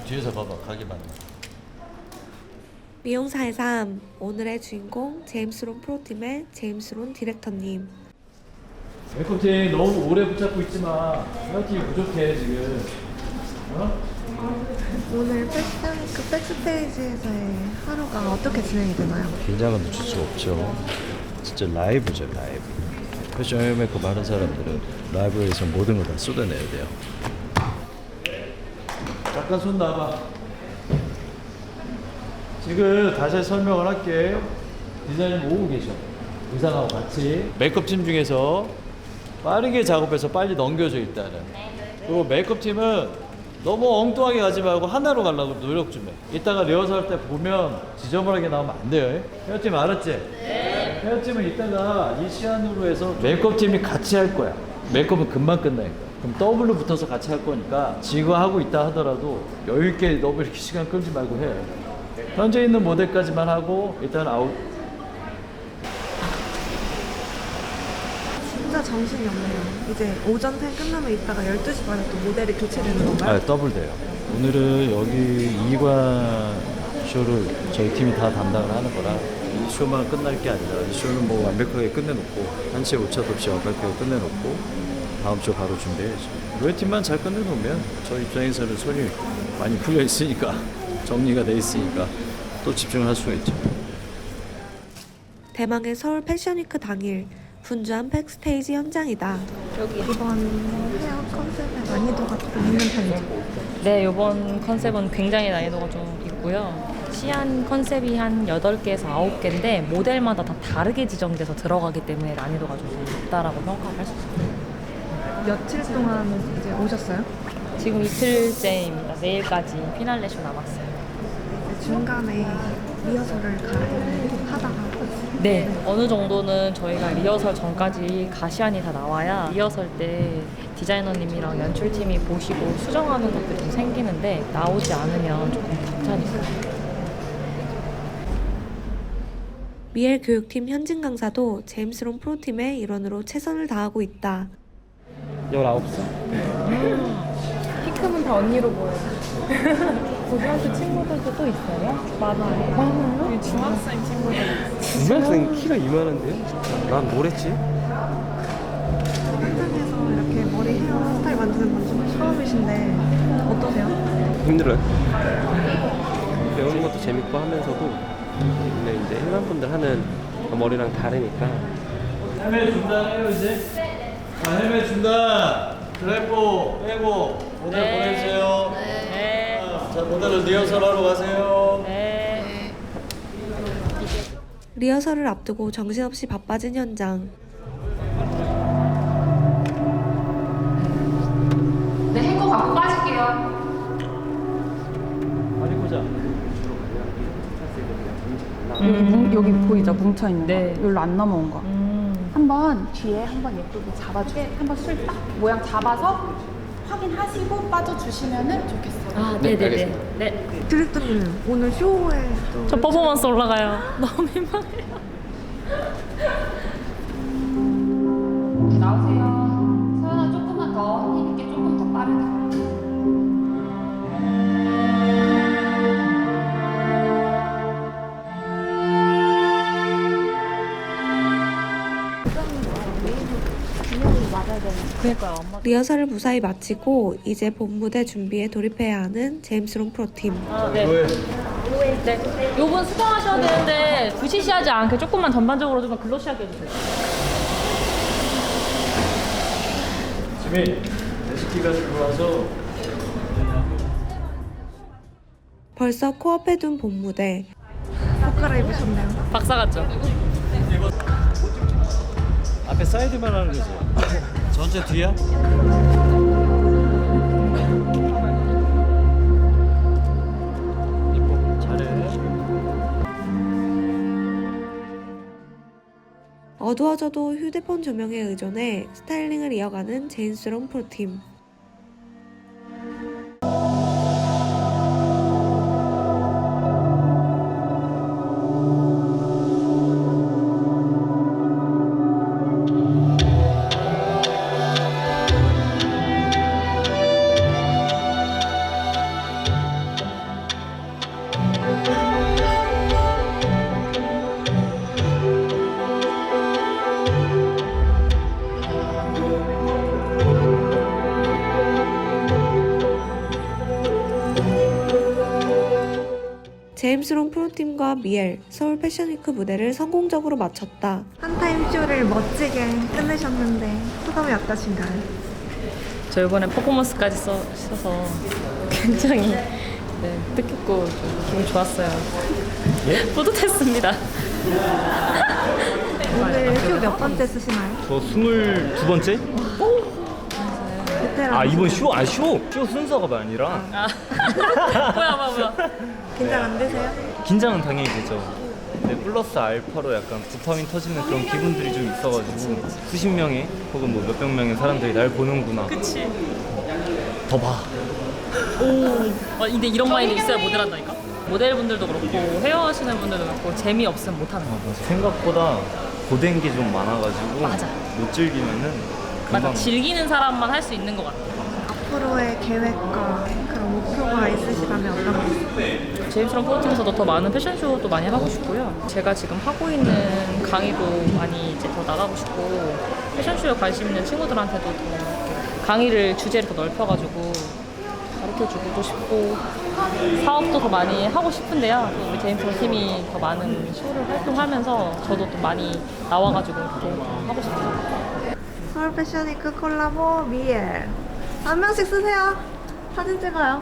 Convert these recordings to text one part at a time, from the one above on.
뒤에서 봐봐, 가게 맞네. 미용사의 삶, 오늘의 주인공 제임스 론 프로팀의 제임스 론 디렉터님. 메이크업팀 너무 오래 붙잡고 있지 마. 헤어팀이 부족해 지금. 어? 오늘 백스테이지에서의 하루가 어떻게 진행이 되나요? 긴장은 늦출 수 없죠. 진짜 라이브죠, 라이브. 패션 메이크업 하는 사람들은 라이브에서 모든 걸 다 쏟아내야 돼요. 잠깐 손 놔봐. 지금 다시 설명을 할게. 디자이너님 오고 계셔. 의상하고 같이. 메이크업팀 중에서 빠르게 작업해서 빨리 넘겨줘 일단은. 그리고 메이크업팀은 너무 엉뚱하게 가지 말고 하나로 가려고 노력 좀 해. 이따가 리허설 때 보면 지저분하게 나오면 안 돼요. 헤어팀 알았지? 네. 헤어팀은 이따가 이 시간으로 해서 메이크업팀이 같이 할 거야. 메이크업은 금방 끝나니까. 그럼 더블로 붙어서 같이 할 거니까 지금 하고 있다 하더라도 여유 있게 너무 이렇게 시간 끌지 말고 해. 현재 있는 모델까지만 하고 일단 아웃. 진짜 정신이 없네요. 이제 오전 템 끝나면 이따가 12시 반에 또 모델이 교체되는 건가요? 아, 더블 돼요. 오늘은 여기 2관 쇼를 저희 팀이 다 담당을 하는 거라 이 쇼만 끝날 게 아니라 이 쇼는 뭐 완벽하게 끝내놓고 한치의 오차도 없이 완벽하게 끝내놓고 다음 쇼 바로 준비해야죠. 우리 팀만 잘 끝내놓으면 저희 입장에서는 손이 많이 풀려 있으니까 정리가 돼 있으니까 또 집중을 할 수가 있죠. 대망의 서울 패션위크 당일 분주한 백스테이지 현장이다. 이번 헤어 컨셉의 난이도가 좀 있는 편이죠? 네, 이번 컨셉은 굉장히 난이도가 좀 있고요. 시안 컨셉이 한 8개에서 9개인데 모델마다 다 다르게 지정돼서 들어가기 때문에 난이도가 좀 높다라고 평가할 수 있어요. 며칠 동안 이제 오셨어요? 지금 이틀째입니다. 내일까지 피날레 쇼 남았어요. 중간에 리허설을 하다가 네, 어느 정도는 저희가 리허설 전까지 가시안이 다 나와야 리허설 때 디자이너님이랑 연출팀이 보시고 수정하는 것들이 좀 생기는데 나오지 않으면 조금 벅차니까. 미엘 교육팀 현진 강사도 제임스 론 프로팀의 일원으로 최선을 다하고 있다. 19살. 키 크면 다 언니로 보여요. 고등학교 친구들도 또 있어요? 많아요. 많아요? 중학생 친구들. 중학생 키가 이만한데요? 난 뭘 했지? 현장에서 이렇게 머리 헤어 스타일 만드는 건 좀 처음이신데 어떠세요? 힘들어요. 배우는 것도 재밌고 하면서도 근데 이제 일반 분들 하는 머리랑 다르니까 헬멧 중단해요 이제. 자, 헬멧 중단. 드라이버 빼고 모델 네. 보내주세요. 네. 자, 모델을 리허설하러 가세요. 네. 리허설을 앞두고 정신없이 바빠진 현장. 네, 행거 갖고 빠질게요. 빨리 보자. 여기 보이죠? 뭉쳐있는 네. 거. 여기로 안 넘어온 거. 한번 뒤에 한번 예쁘게 잡아주세요. 한번 술 딱 모양 잡아서 확인하시고 빠져주시면 좋겠어요. 아, 네, 네네네. 알겠습니다. 네. 디렉터님 오늘 쇼에 또 저 퍼포먼스 올라가요. 너무 민망해요. 나오세요. 서연아 조금만 더 힘있게 조금 더 빠르게. 그러니까요. 엄마. 리허설을 무사히 마치고 이제 본 무대 준비에 돌입해야 하는 제임스 론 프로팀. 아, 네. 왜? 네. 요분 수정하셔야 되는데 부시시하지 않게 조금만 전반적으로 좀 글로시하게 해주세요. 지민, 레시피가 들어와서 벌써 코앞에 둔 본 무대. 옷 갈아입으셨네요. 박사 같죠? 앞에 사이드만 하는 거지. 전체 뒤야? 이뻐, 잘해. 어두워져도 휴대폰 조명에 의존해 스타일링을 이어가는 제임스 론 프로팀. 제임스롱 프로팀과 미엘 서울 패션위크 무대를 성공적으로 마쳤다. 한타임 쇼를 멋지게 끝내셨는데 소감이 어떠신가요? 저 이번에 퍼포먼스까지 써서 굉장히 뜻깊고 좀 기분이 좋았어요. 뿌듯했습니다. 오늘 쇼 몇 번째 쓰시나요? 저 22번째? 베테랑. 아 이번 쇼? 아 쇼 순서가 아니라 뭐야. 긴장 안 되세요? 긴장은 당연히 되죠. 근데 플러스 알파로 약간 도파민 터지는 그런 기분들이 좀 있어가지고 수십 명의 혹은 뭐 몇백 명의 사람들이 날 보는구나. 그치. 더 봐. 근데 이런 마인드 있어야 모델 한다니까? 모델분들도 그렇고 헤어 하시는 분들도 그렇고 재미없으면 못하는 거. 생각보다 고된 게 좀 많아가지고 맞아. 못 즐기면은 맞아. 금방 즐기는 사람만 할 수 있는 것 같아. 앞으로의 계획과 그런 목표가 있으시다면 어떤 거 있어요? 제임스랑 프로팀에서도 더 많은 패션쇼도 많이 하고 싶고요. 제가 지금 하고 있는 강의도 많이 이제 더 나가고 싶고 패션쇼에 관심 있는 친구들한테도 더 이렇게 강의를 주제를 더 넓혀가지고 가르쳐주고 싶고 사업도 더 많이 하고 싶은데요. 또 우리 제임스 팀이 더 많은 쇼를 활동하면서 저도 또 많이 나와가지고 이렇게 하고 싶어요. 서울 패션위크 콜라보 미엘 한 명씩 쓰세요. 사진 찍어요.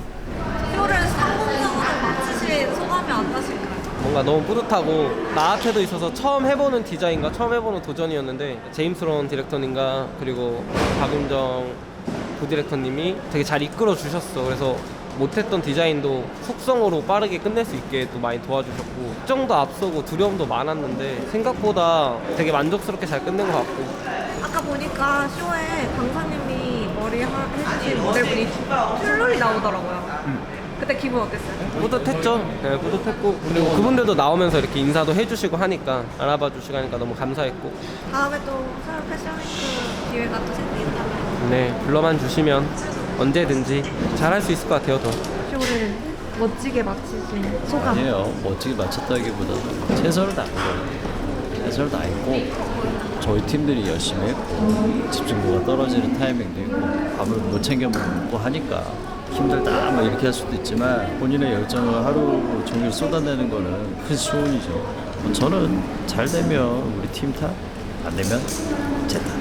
쇼를 성공적으로 마치신 소감이 어떠실까요? 뭔가 너무 뿌듯하고 나한테도 있어서 처음 해보는 디자인과 처음 해보는 도전이었는데 제임스론 디렉터님과 그리고 박은정 부디렉터님이 되게 잘 이끌어 주셨어. 그래서 못했던 디자인도 속성으로 빠르게 끝낼 수 있게 또 많이 도와주셨고 걱정도 앞서고 두려움도 많았는데 생각보다 되게 만족스럽게 잘 끝낸 것 같고 아까 보니까 쇼에 강사님이 머리 해주신 모델분이 출혈이 나오더라고요. 그때 기분 어땠어요? 뿌듯했죠. 네, 뿌듯했고 그리고 그분들도 나오면서 이렇게 인사도 해주시고 하니까 알아봐 주시고 하니까 너무 감사했고 다음에 또 서울 패션위크 기회가 또 생긴다면 네 불러만 주시면 언제든지 잘할 수 있을 것 같아요. 더 쇼를 멋지게 마치신 소감. 아니에요. 멋지게 마쳤다기보다 최선을 다한 거예요. 최선을 다했고 저희 팀들이 열심히 했고 집중도가 떨어지는 타이밍도 있고 밥을 못 챙겨 먹고 하니까 힘들다 뭐 이렇게 할 수도 있지만 본인의 열정을 하루 종일 쏟아내는 거는 큰 수훈이죠. 저는 잘 되면 우리 팀 탓, 안 되면 제 탓.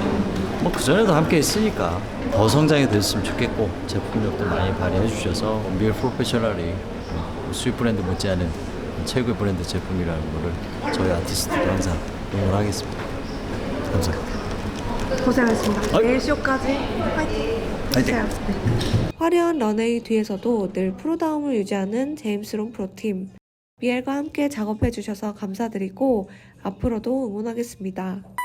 뭐 그전에도 함께 했으니까 더 성장이 됐으면 좋겠고 제품력도 많이 발휘해 주셔서 미엘 프로페셔널이 수입 브랜드 못지않은 최고의 브랜드 제품이라는 거를 저희 아티스트도 항상 응원하겠습니다. 감사합니다. 고생하셨습니다. 아이. 내일 쇼까지 화이팅! 화이팅! 해주세요. 네. 화려한 런웨이 뒤에서도 늘 프로다움을 유지하는 제임스롱 프로팀. 미엘과 함께 작업해 주셔서 감사드리고 앞으로도 응원하겠습니다.